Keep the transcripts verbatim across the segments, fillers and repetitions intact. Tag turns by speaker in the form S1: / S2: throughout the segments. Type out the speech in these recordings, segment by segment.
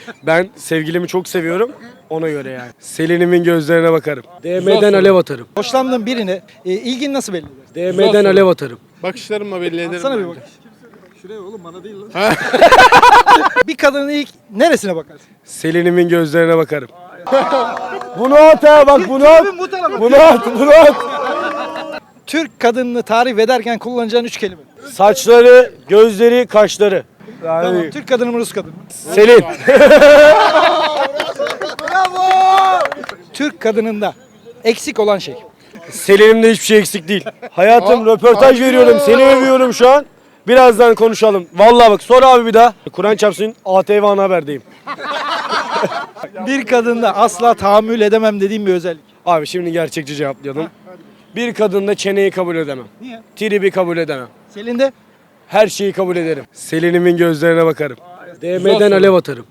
S1: Ben sevgilimi çok seviyorum. Ona göre yani. Selin'imin gözlerine bakarım. D M'den alev atarım.
S2: Hoşlandığın birine e, ilgin nasıl belli eder?
S1: D M'den alev atarım.
S3: Bakışlarımla belli ederim.
S2: Sana bir
S3: bence.
S2: bak. Şuraya oğlum bana değil lan. Bir kadının ilk neresine bakarsın?
S1: Selin'imin gözlerine bakarım. Bunu at ha bak bunu at.
S2: Bu tarafa.
S1: Bunu at bunu at.
S2: Türk kadınını tarif ederken kullanacağın üç kelime.
S1: Saçları, gözleri, kaşları. Yani
S2: Tamam. Türk kadını mı Rus kadını mı?
S1: Selin.
S2: Türk kadınında eksik olan şey.
S1: Selin'imde hiçbir şey eksik değil. Hayatım röportaj veriyorum. Seni övüyorum şu an. Birazdan konuşalım. Vallahi bak sor abi bir daha. Kur'an çarpsın A T V Ana Haber'deyim.
S2: Bir kadında asla tahammül edemem dediğim bir özellik.
S1: Abi şimdi gerçekçi cevaplayalım. Bir kadında çeneyi kabul edemem.
S2: Niye?
S1: Tribi kabul edemem.
S2: Selin de
S1: Her şeyi kabul ederim. Selin'imin gözlerine bakarım. D M'den alev atarım.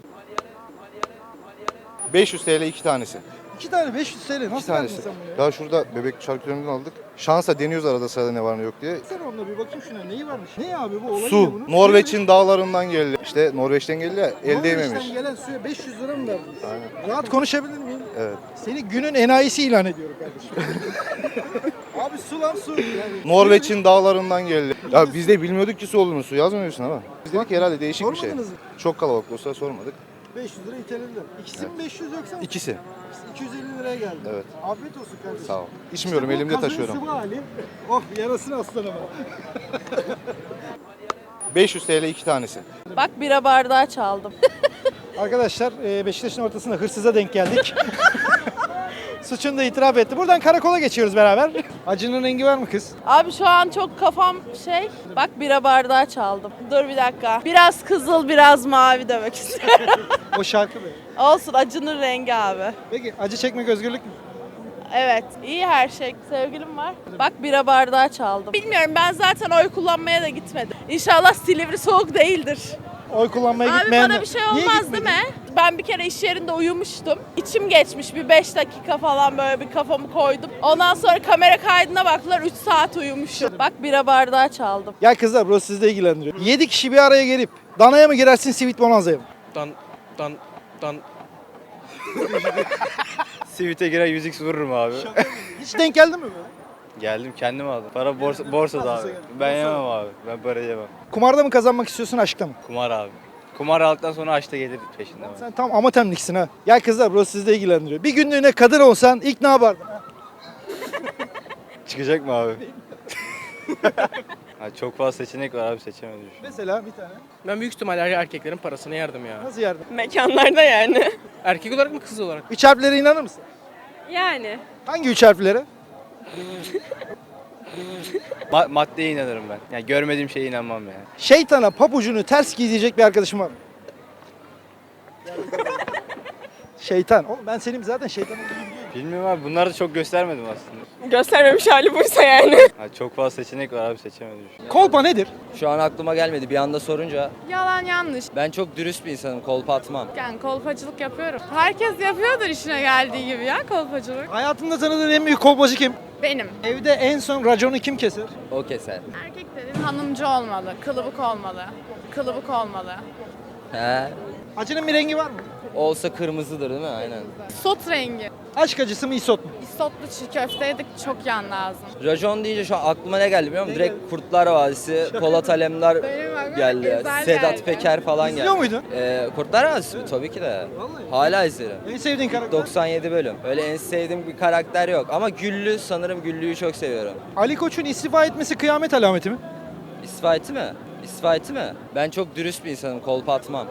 S4: beş yüz T L iki tanesi.
S2: iki tane beş yüz T L.
S4: İki
S2: Nasıl verdin
S4: tanesi.
S2: sen bunu ya?
S4: Ya şurada bebek şarküterinden aldık. Şansa deniyoruz arada sırada ne var ne yok diye.
S2: Sen onunla bir bakayım şuna neyi varmış? Ne abi bu olay ne
S4: Su.
S2: bunun?
S4: Norveç'in dağlarından geldi. İşte Norveç'ten geldi ya el değmemiş.
S2: Norveç'ten gelen suya beş yüz lira mı verdin? Rahat konuşabilir miyim?
S4: Evet.
S2: Seni günün enayisi ilan ediyorum kardeşim. Abi su lan su. Yani
S4: Norveç'in dağlarından geldi. Ya biz de bilmiyorduk ki su olduğunu, su yazmıyorsun ama. Biz dedik ki herhalde değişik bir şey.
S2: Sormadınız mı?
S4: Çok kalabalık olsa sormadık.
S2: beş yüz lira itelediler. İkisi mi beş yüz yoksa?
S4: İkisi.
S2: iki yüz elli liraya geldi.
S4: Evet.
S2: Afiyet olsun kardeşim.
S4: Sağ ol. İçmiyorum,
S2: İşte bu
S4: elimde
S2: kazın
S4: taşıyorum.
S2: sıvı hali. Oh yarasın aslanıma.
S4: beş yüz T L iki tanesi.
S5: Bak bira bardağı çaldım.
S2: Arkadaşlar e, Beşiktaş'ın ortasında hırsıza denk geldik. Suçunu da itiraf etti. Buradan karakola geçiyoruz beraber. Acının rengi var mı kız?
S5: Abi şu an çok kafam şey. Bak bira bardağı çaldım. Dur bir dakika. Biraz kızıl biraz mavi demek istiyorum.
S2: O şarkı be.
S5: Olsun acının rengi abi.
S2: Peki acı çekmek özgürlük mü?
S5: Evet iyi her şey. Sevgilim var. Bak bira bardağı çaldım. Bilmiyorum ben zaten oy kullanmaya da gitmedim. İnşallah Silivri soğuk değildir.
S2: Oy kullanmaya
S5: Abi
S2: gitmeyen...
S5: bana bir şey
S2: Niye
S5: olmaz
S2: gitmedin?
S5: değil mi? Ben bir kere iş yerinde uyumuştum. İçim geçmiş bir beş dakika falan böyle bir kafamı koydum. Ondan sonra kamera kaydına baktılar üç saat uyumuşum. Bak bira bardağı çaldım.
S2: Ya kızlar burası sizi de ilgilendiriyor. yedi kişi bir araya gelip danaya mı girersin Sweet Bonanza'ya mı?
S6: Dan dan dan. Sivit'e girer yüz x vururum abi.
S2: Hiç denk geldi mi böyle?
S6: Geldim kendim aldım. Para borsa, borsada abi. Ben yemem abi. Ben para yemem.
S2: Kumarda mı kazanmak istiyorsun aşkta mı?
S6: Kumar abi. Kumar aldıktan sonra açta gelir peşinden. abi.
S2: Sen tam amatemliksin ha. Ya kızlar burası sizi de ilgilendiriyor. Bir günlüğüne kadın olsan ilk ne yapardın?
S6: Çıkacak mı abi? Ha, çok fazla seçenek var abi seçemedim. şu an.
S2: Mesela bir tane.
S7: Ben büyük ihtimalle erkeklerin parasına yardım ya.
S2: Nasıl yardım?
S5: Mekanlarda yani.
S7: Erkek olarak mı kız olarak?
S2: Üç harflere inanır mısın?
S5: Yani.
S2: Hangi üç harflere?
S6: Ma- maddeye inanırım ben. Yani görmediğim şeye inanmam yani.
S2: Şeytana papucunu ters giyecek bir arkadaşım var mı? Şeytan. Oğlum ben senin zaten şeytanım.
S6: Bilmiyorum abi bunları da çok göstermedim aslında.
S5: Göstermemiş hali buysa yani.
S6: Ha, çok fazla seçenek var abi seçemedim. şu an.
S2: Kolpa nedir?
S8: Şu an aklıma gelmedi bir anda sorunca.
S9: Yalan yanlış.
S8: Ben çok dürüst bir insanım, kolpa atmam.
S9: Yani kolpacılık yapıyorum. Herkes yapıyordur işine geldiği gibi ya kolpacılık.
S2: Hayatında tanıdığın en büyük kolpacı kim?
S9: Benim.
S2: Evde en son raconu kim keser?
S8: O keser.
S9: Erkek dediğin hanımcı olmalı, kılıbık olmalı. Kılıbık olmalı.
S8: He.
S2: Acının bir rengi var mı?
S8: Olsa kırmızıdır değil mi? Aynen.
S9: Sot rengi.
S2: Aşk acısı mı isot mu?
S9: İstotlu çiğ köfte yedik çok yan lazım.
S8: Rajon deyince şu an aklıma ne geldi biliyor musun? Direkt Kurtlar Vadisi, Polat Alemdar
S9: Benim aklıma
S8: geldi.
S9: Ezel
S8: Sedat
S9: geldi.
S8: Peker falan geldi.
S2: İzliyor muydun?
S8: Ee, Kurtlar Vadisi mi? Tabii ki de. Hala izlerim.
S2: En sevdiğin karakter?
S8: doksan yedi bölüm. Öyle en sevdiğim bir karakter yok. Ama Güllü sanırım Güllü'yü çok seviyorum.
S2: Ali Koç'un istifa etmesi kıyamet alameti mi?
S8: İsfaiti mi? İsfaiti mi? Ben çok dürüst bir insanım, kolpa atmam.